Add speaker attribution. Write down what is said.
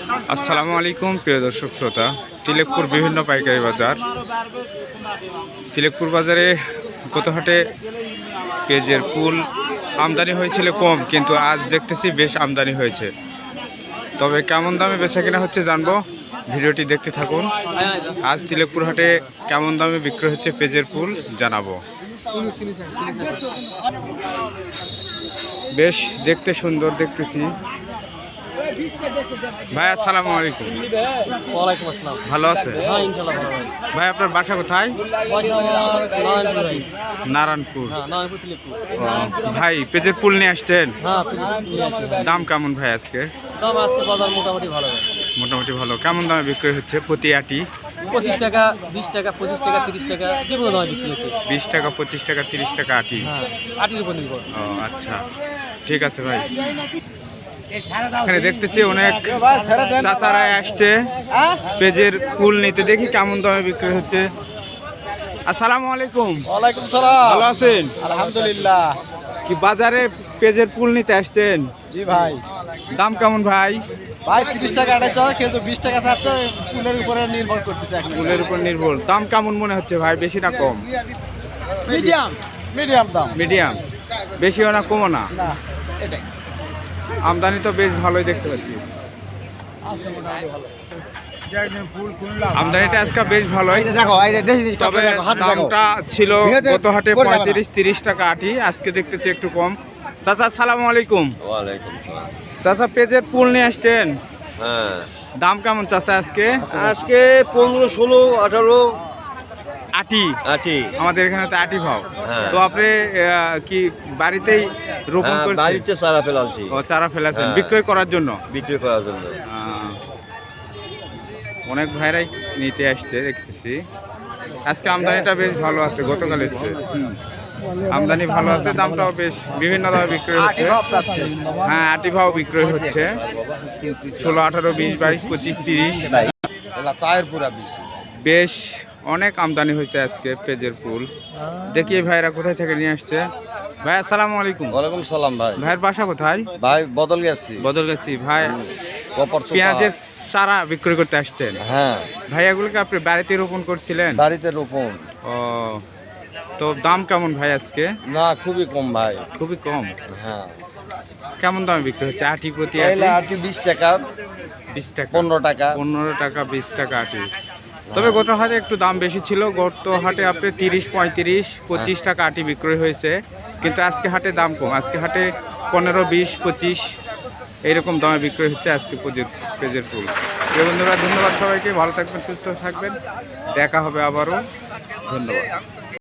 Speaker 1: আসসালামু আলাইকুম প্রিয় দর্শক শ্রোতা। তিলেকপুর বিভিন্ন পাইকারি বাজার। তিলেকপুর বাজারে গত হাটে পেঁয়াজের ফুল আমদানি হয়েছিল কম, কিন্তু আজ দেখতেছি বেশ আমদানি হয়েছে। তবে কেমন দামে বেচা কেনা হচ্ছে জানবো, ভিডিওটি দেখতে থাকুন। আজ তিলেকপুর হাটে কেমন দামে বিক্রি হচ্ছে পেঁয়াজের ফুল জানাবো। বেশ দেখতে সুন্দর দেখতেছি। ভাই আসসালামু আলাইকুম।
Speaker 2: ওয়ালাইকুম আসসালাম।
Speaker 1: ভালো আছে?
Speaker 2: হ্যাঁ ইনশাআল্লাহ ভালো ভাই।
Speaker 1: ভাই আপনার বাসা কোথায়?
Speaker 2: বাসা আমার নারায়ণপুর ভাই।
Speaker 1: নারায়ণপুর।
Speaker 2: হ্যাঁ নারায়ণপুর তিলেকপুর।
Speaker 1: ভাই পেঁয়াজের ফুল নিয়ে আসছেন?
Speaker 2: হ্যাঁ তিলেকপুর নিয়ে আসছি ভাই।
Speaker 1: দাম কেমন ভাই আজকে?
Speaker 2: দাম আজকে বাজার মোটামুটি ভালো ভাই।
Speaker 1: মোটামুটি ভালো। কেমন দামে বিক্রি হচ্ছে প্রতি আটি?
Speaker 2: 25 টাকা 20 টাকা 25 টাকা 30 টাকা যেগুলো দামে বিক্রি হচ্ছে।
Speaker 1: 20 টাকা 25 টাকা 30 টাকা আটি।
Speaker 2: হ্যাঁ আটির উপর নির্ভর।
Speaker 1: ও আচ্ছা, ঠিক আছে ভাই। এখানে দেখতেছি অনেক চাচারা আসছে পেঁয়াজের ফুল নিতে, দেখি কেমন দামে বিক্রি হচ্ছে। আসসালামু আলাইকুম।
Speaker 2: ওয়ালাইকুম সালাম।
Speaker 1: ভালো আছেন?
Speaker 2: আলহামদুলিল্লাহ।
Speaker 1: কি বাজারে পেঁয়াজের ফুল নিতে আসছেন?
Speaker 2: জি ভাই।
Speaker 1: দাম কেমন ভাই?
Speaker 2: ভাই 30 টাকা আটা চলে, কিন্তু 20 টাকা ছাড়ছে, ফুলের উপরে নির্ভর করতেছে এখন।
Speaker 1: ফুলের উপর নির্ভর। দাম কেমন মনে হচ্ছে ভাই, বেশি না কম?
Speaker 2: মিডিয়াম মিডিয়াম দাম।
Speaker 1: মিডিয়াম, বেশিও না কমও না।
Speaker 2: না এটাই।
Speaker 1: আমদানি তো বেশ ভালোই দেখতে পাচ্ছি। আমদানিটা আজকে বেশ ভালোই, তবে দামটা ছিল গত হাটে 35-30 টাকা আটি, আজকে দেখতেছি একটু কম। চাচা আসসালামু আলাইকুম।
Speaker 3: ওয়ালাইকুম সালাম।
Speaker 1: চাচা পেঁয়াজের ফুল নিয়ে আসছেন,
Speaker 3: হ্যাঁ
Speaker 1: দাম কেমন চাচা আজকে?
Speaker 3: আজকে 15, 16, 18
Speaker 1: আটি।
Speaker 3: আটি।
Speaker 1: আমাদের এখানে তো আটি ভাও।
Speaker 3: হ্যাঁ।
Speaker 1: তো আপনি কি বাড়িতেই রোপণ
Speaker 3: হ্যাঁ,
Speaker 1: করছেন?
Speaker 3: বাড়িতে চারা ফেলালছি
Speaker 1: ও চারা ফেলেছেন
Speaker 3: হ্যাঁ।
Speaker 1: বিক্রয় করার জন্য?
Speaker 3: বিক্রি করার জন্য।
Speaker 1: অনেক ভাইরাই নিতে আসছে দেখতেছি। আজকে আমদানিটা বেশ ভালো আছে গতকালের চেয়ে। আমদানি ভালো আছে, দামটাও বেশ বিভিন্ন দামে বিক্রয় হচ্ছে। হ্যাঁ আটি ভাও বিক্রয় হচ্ছে 16, 18, 20, 22, 25, 30। বেশ অনেক আমদানি হয়েছে আজকে পেঁয়াজের ফুল। দেখি ভাইরা কোথায় থেকে নিয়ে আসছে। ভাই আসসালামু আলাইকুম।
Speaker 3: ওয়ালাইকুম সালাম ভাই।
Speaker 1: ভাইয়ের বাসা কোথায়?
Speaker 3: ভাই বদল গেছি।
Speaker 1: বদলগাছি। ভাই পেঁয়াজের চারা বিক্রি করতে আসছেন?
Speaker 3: হ্যাঁ।
Speaker 1: ভাই এগুলোকে আপনি বাড়িতে রোপণ করছিলেন?
Speaker 3: বাড়িতে রোপণ।
Speaker 1: ও, তো দাম কেমন ভাই আজকে?
Speaker 3: না খুবই কম ভাই।
Speaker 1: খুবই কম।
Speaker 3: হ্যাঁ।
Speaker 1: কেমন দামে বিক্রি হচ্ছে আটি প্রতি?
Speaker 3: আটি 20 টাকা
Speaker 1: 20 টাকা
Speaker 3: 15 টাকা
Speaker 1: 15 টাকা 20 টাকা আটি। তবে গত হাটে একটু দাম বেশি ছিল। গত হাটে আপনি 30, 35, 25 টাকা আটি বিক্রয় হয়েছে, কিন্তু আজকে হাটে দাম কম। আজকে হাটে 15, 20, 25 এইরকম দামে বিক্রয় হচ্ছে আজকে পেঁয়াজের ফুল। বন্ধুরা ধন্যবাদ সবাইকে, ভালো থাকবেন, সুস্থ থাকবেন, দেখা হবে আবারও। ধন্যবাদ।